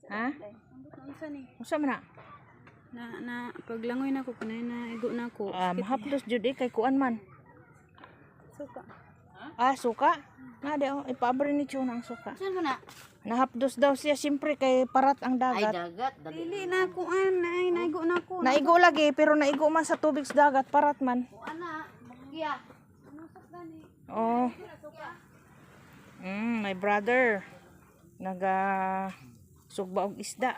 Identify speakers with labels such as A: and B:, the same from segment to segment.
A: Ha?
B: Unsa ni?
A: Unsa man
B: Na paglangoy na ko kanay na igo na ko.
A: Mahapdos jud kay kuan man.
B: Suka.
A: Suka? Na di ipaabri ni Chuna ang suka.
B: Saan mo na?
A: Nahapdos daw siya siyempre kay parat ang dagat.
C: dagat.
B: Dili na ko ay naigo na ko.
A: Naigo lagi pero naigo man sa tubig sa dagat parat man.
C: Ana, magkiya.
A: Oh. My brother naga sugba og isda.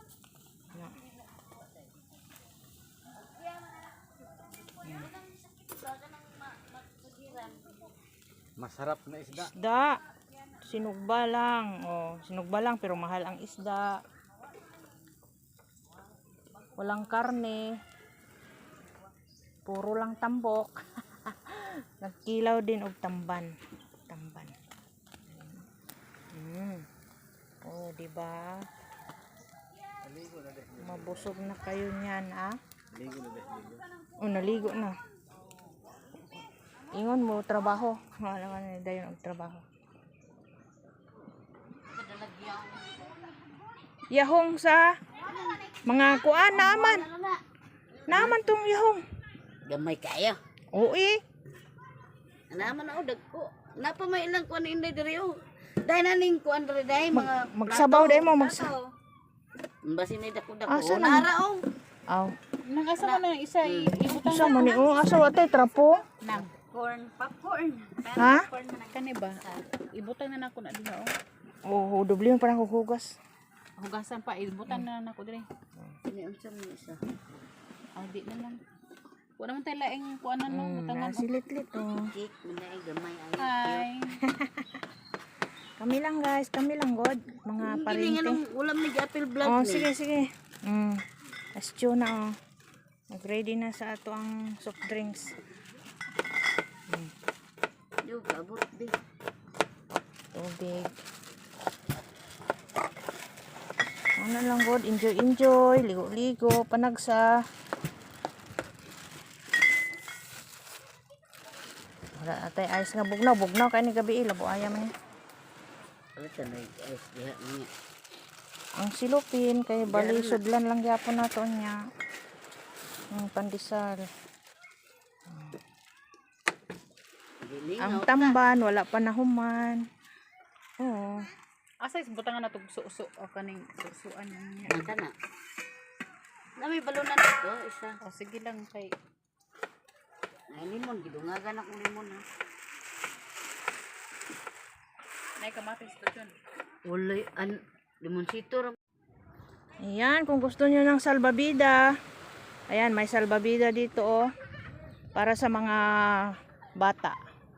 C: Masarap na isda.
A: Isda. Sinugba lang. Sinugba lang pero mahal ang isda. Walang karne. Puro lang tambok. Nagkilaw din og tamban. Di ba? Mabusog na kayo niyan,
C: Ligo na deh.
A: Naligo na. Ingon mo trabaho. Wala man dayon og trabaho. Yahong sa mga kuan naaman. Naaman tong yahong.
C: Gamay kayo.
A: Oo
C: Naman ako dagko. Napa may ilang kuan inday diri oh. Dai naning kuan diri dai mga
A: magsabaw dai mo
C: Basi may dako-dako.
A: Asa na?
C: Nara oh.
A: Aw.
B: Nangasa mo na isa ibutang
A: Sa man ni asa wa tay trapo?
B: nang popcorn.
A: Ha?
B: Popcorn na kani ba? Ibutang na nako na diha
A: Doble mo pa nang hugas.
B: Hugasan pa ibutang na nako dire.
C: Ini unsa man isa.
B: Di na lang. Wala man tay laing kuanan no, butangan.
A: Silit-lit
C: Cake manay gamay ay.
B: Hi.
A: Kami lang guys, kami lang god, mga
C: Kini
A: parente.
C: nganong ulam ni apple blood ni.
A: Sige. Astyo na Nag-ready na sa ato ang soft drinks.
C: Yo kabot di.
A: Tubig. Ano lang god, enjoy, ligo-ligo, panagsa. Wala atay ice nga bugnaw kay ni gabi labo aya man ni.
C: Ala tanay ay diha niya.
A: Ang silupin kay bali sudlan lang gyapon nato niya. Pandesal. Ang tamban wala pa nahuman. Oo.
B: Asa is butangan na tug suso o kaning susuan niya.
C: Ang kana. Na may balunan dito isa.
B: Sige lang kay
C: Ay limon gidungagan akong limon ha.
B: nay kamatis to dyan.
C: Ulay an limonsito ra.
A: Ayan, kung gusto niyo ng salbabida. Ayan, may salbabida dito para sa mga bata.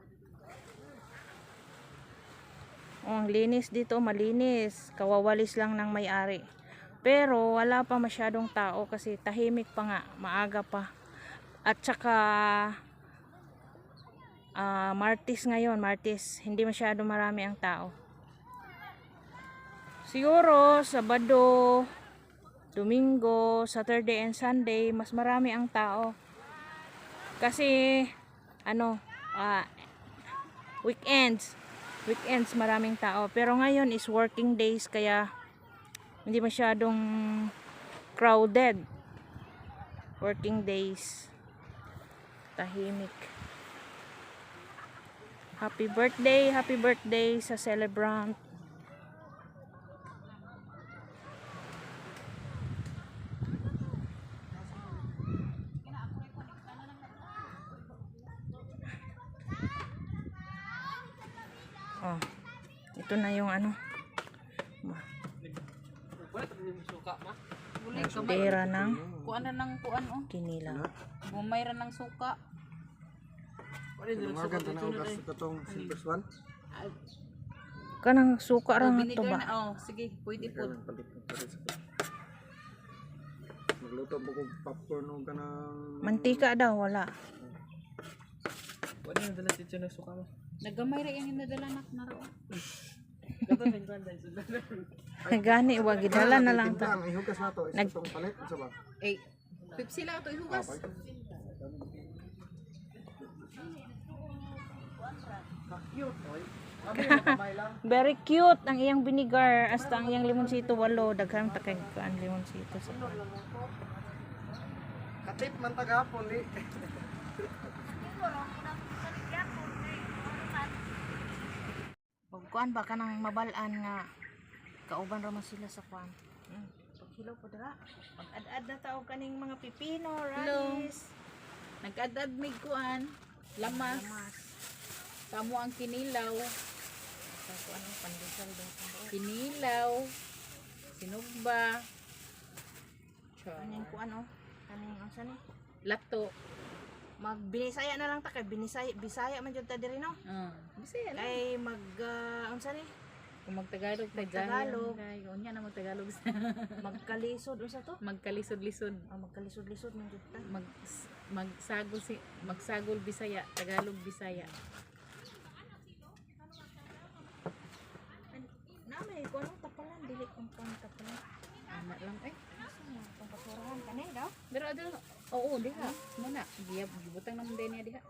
A: Ang linis dito, malinis. Kawawalis lang ng may-ari. Pero wala pa masyadong tao kasi tahimik pa nga, maaga pa. At saka Martes ngayon, hindi masyado marami ang tao. Siguro Sabado, Domingo, Saturday and Sunday mas marami ang tao. Kasi weekends maraming tao. Pero ngayon is working days kaya hindi masyadong crowded. Working days. Tahimik. Happy birthday sa celebrant. Ito na yung pera ng
B: Kuan na ng kuan
A: kinilaw.
B: Bumayra ng suka.
D: Lumagan ta na og katong silver swan.
A: Kanang suka ra nga to
B: Vinegar
A: ba?
B: na sige, pwede po.
D: Magluto po kog popcorn o kanang
A: Mantika daw wala.
D: Wala na dala tityo na suka mo.
B: Nagamay ra yung nadala nak na ro.
A: Gani wa gidala na lang ta.
D: Ang ihugas na to, isa tong palit unsa ba?
B: Pepsi lang to ihugas.
A: Very cute ang iyang vinegar hasta ang iyang limonsito 8 daghang ta kay kuan limonsito sa
D: Katip man tagapon di.
A: Pag kuan ba kanang mabalaan nga kauban ra man sila sa kuan. Paghilo po dira. Mag-ad-ad na taog kaning mga pipino, rice.
B: Nag-adad mig kuan, lamas. Kamo ang kinilaw,
A: Sa kuan ang pandesal daw sa doon.
B: kinilaw, sinugba,
A: Kaning kuan oh. Kaning unsa ni?
B: lato.
A: Magbinisaya na lang ta kay Bisaya man jud ta diri no.
B: Bisaya lang.
A: Kay unsa ni?
B: Kung magtagalog tayo
A: Magtagalog.
B: Unya na magtagalog.
A: Magkalisod unsa to?
B: Magkalisod-lisod.
A: Magkalisod-lisod man jud ta.
B: Magsagol Bisaya, Tagalog Bisaya.
A: Na may kuan tapalan dili kung kuan tapalan.
B: Ana lang eh.
A: Kung pasurahan kanay daw.
B: Pero adto, oo, diha. Muna, gibutang naman din niya diha.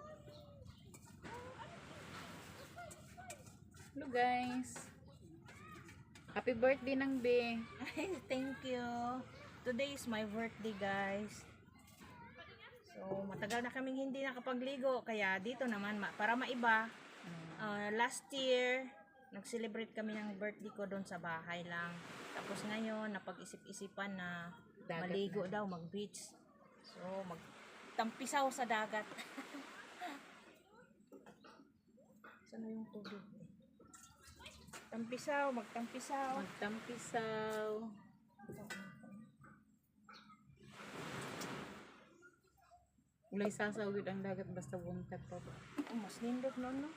B: Hello guys. Happy birthday nang be.
A: Ay, thank you. Today is my birthday, guys. So, matagal na kaming hindi nakapagligo. Kaya dito naman, para maiba, last year, nag-celebrate kami ng birthday ko doon sa bahay lang. Tapos ngayon, napag-isip-isipan na
B: Dagat
A: maligo daw, mag-beach. So, magtampisaw sa dagat. Saan na yung tubig? Tampisaw, magtampisaw.
B: Magtampisaw. Ulay sasaw gid ang dagat basta buntag pa ba.
A: Oh, mas nindot no?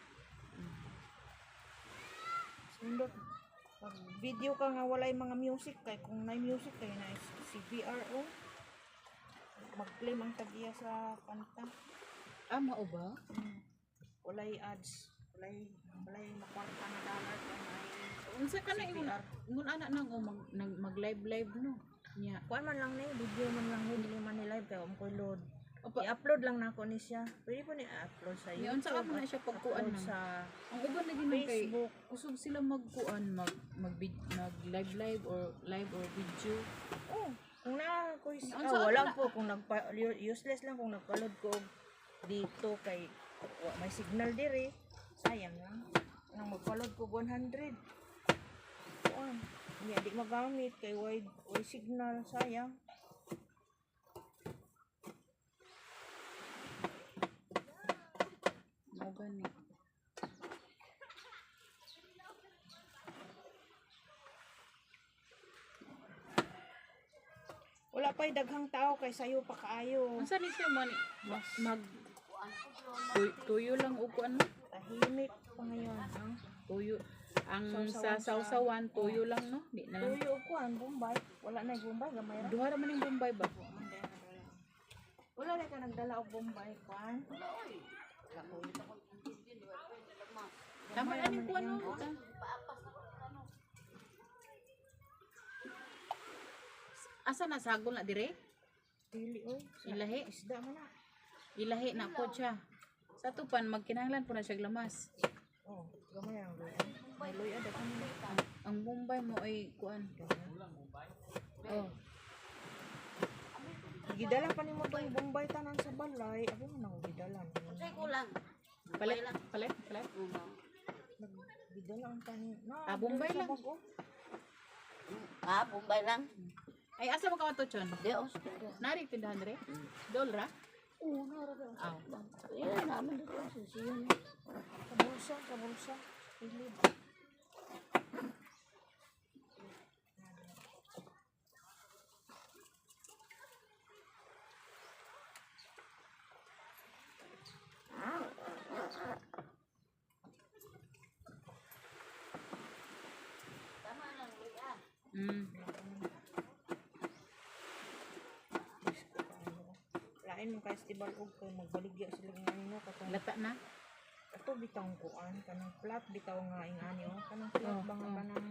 A: Mas nindot. Pag video ka nga walay mga music kay kung may music kay na si VRO. Mag-play mang tagiya sa kanta.
B: Mao ba?
A: Walay ads. Walay makwarta na dollar kay may
B: Unsa ka na ingon ana nang mag-live no. Nya.
A: kuan man lang ni video man lang ni dili man ni live kay ko load. I-upload lang nako ni siya. Pwede po ni upload sa
B: Yun,
A: YouTube.
B: saka mo na siya pagkuan
A: upload
B: na.
A: sa
B: Ang uban na gini kay
A: Facebook.
B: usog sila magkuan mag live or video.
A: Oh, kung na ko
B: Saan
A: wala
B: na-
A: po kung useless lang kung nagpalod ko og dito kay may signal dire. Sayang lang. Nang magpalod ko 100. Kuan. Hindi di magamit kay wide signal sayang.
B: Mao gani.
A: Wala pa'y daghang tao kay sayo pa kaayo.
B: Unsa ni siya man mag tuyo lang o kuan
A: Tahimik pa ngayon. Ang
B: tuyo ang
A: Sausawan
B: sa sausawan tuyo lang no di na lang.
A: tuyo ko ang Bombay. Wala na yung Bombay gamay ra.
B: Duha ra man ning Bombay ba?
A: Wala na ka nagdala og Bombay kuan.
B: Tama na ning kuan no. Asa na sagol na dire?
A: Dili oy.
B: Ilahi.
A: Isda man na.
B: Ilahi na po siya. Sa tupan magkinahanglan po na siya lamas.
A: Oh, gamay ang luya. May luya daghang
B: Ang Bombay mo ay kuan. Oh,
A: gidala pa nimo tong Bombay tanan sa balay. Abi man nang gidala.
C: Say ko lang.
B: palit.
A: Gidala ang tanin.
B: Bombay lang.
C: Bombay lang.
B: Ay asa mo ka to chon?
C: Dios.
B: Nari tindahan dire? Dolra? Aw.
C: Yan naman dito sa siyon.
A: Sa bulsa. Pilid. Lain mo kay festival og kay magbaligya sila ng ano katong
B: Lata na.
A: ato bitawng kuan kanang flat bitaw nga ingani oh kanang flat
B: Oh,
A: ba nga
B: oh.
A: kanang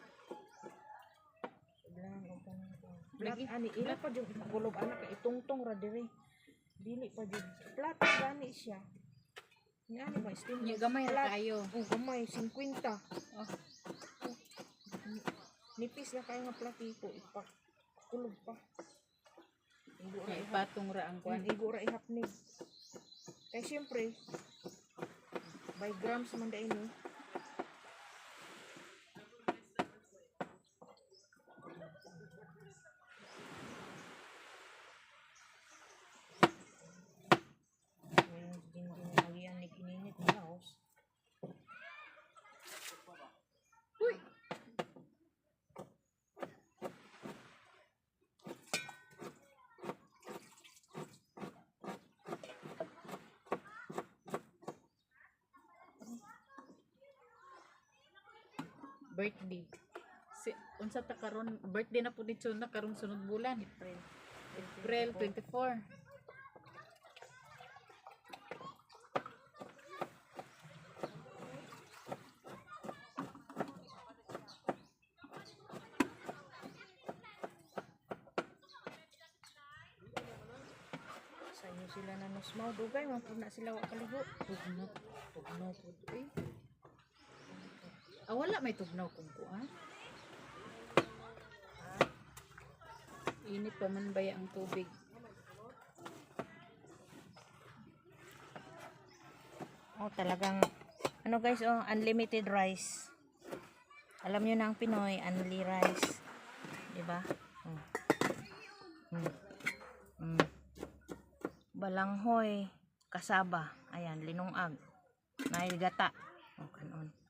A: sublan o kanang flat
B: Lagi,
A: ani ila pa jud gulob anak kay itungtong ra diri dili pa jud flat gani siya Yan ba steam
B: Yung
A: rice?
B: gamay ra kayo.
A: Oh, gamay 50.
B: Oh.
A: Nipis na kayo nga platito, ipak kulog pa. Igo ra
B: Kaya
A: ihap.
B: ipatong ra ang kuan.
A: Igo ra ihapnig. Kaya siyempre, by grams man da ini. Ayan, ginagawa ni kininit na laos.
B: Birthday. Unsa ta karon birthday na po dito na karon sunod bulan. April 24.
A: Sa inyo sila na nosmaw. Dugay, mapuna sila wa kaligo.
B: Tugnaw po eh. Ah, wala may tugnaw kung kuan. Init pa man ba ang tubig?
A: Oh, talagang ano guys, oh, unlimited rice. Alam niyo na ang Pinoy, unli rice. 'Di ba? Balanghoy, kasaba. Ayan, linungag. Nailgata. Oh, kanon.